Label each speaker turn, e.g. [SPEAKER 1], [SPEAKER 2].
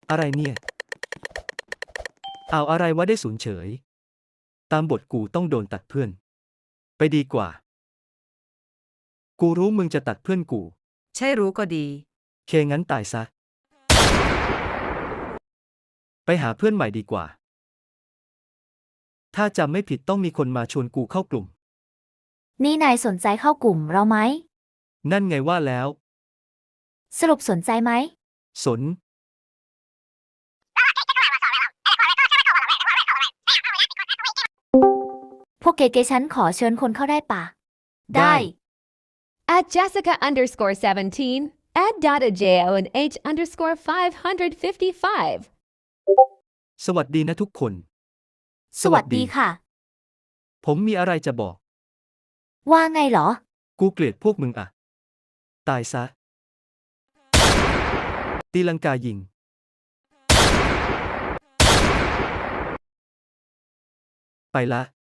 [SPEAKER 1] อะไรเนี่ยเอาอะไรวะได้ศูนย์เฉยตามบทกูต้องโดนตัดเพื่อนไปดีกว่ากูรู้มึงจะตัดเพื่อนกู
[SPEAKER 2] ใช่รู้ก็ดี
[SPEAKER 1] เคงั้นตายซะไปหาเพื่อนใหม่ดีกว่าถ้าจำไม่ผิดต้องมีคนมาชวนกูเข้ากลุ่ม
[SPEAKER 3] นี่นายสนใจเข้ากลุ่มเราไหม
[SPEAKER 1] นั่นไงว่าแล้ว
[SPEAKER 3] สรุปสนใจไหม
[SPEAKER 1] สน
[SPEAKER 3] พวกเก๋ๆฉันขอเชิญคนเข้าได้ปะได้
[SPEAKER 4] At Jessica_17, add Dada Jo and H_555.
[SPEAKER 1] สวัสดีนะทุกคน
[SPEAKER 3] สวัสดีค่ะ
[SPEAKER 1] ผมมีอะไรจะบอก
[SPEAKER 3] ว่าไงเหรอ
[SPEAKER 1] กูเกลียดพวกมึงอะตายซะตีลังกายิงไปละ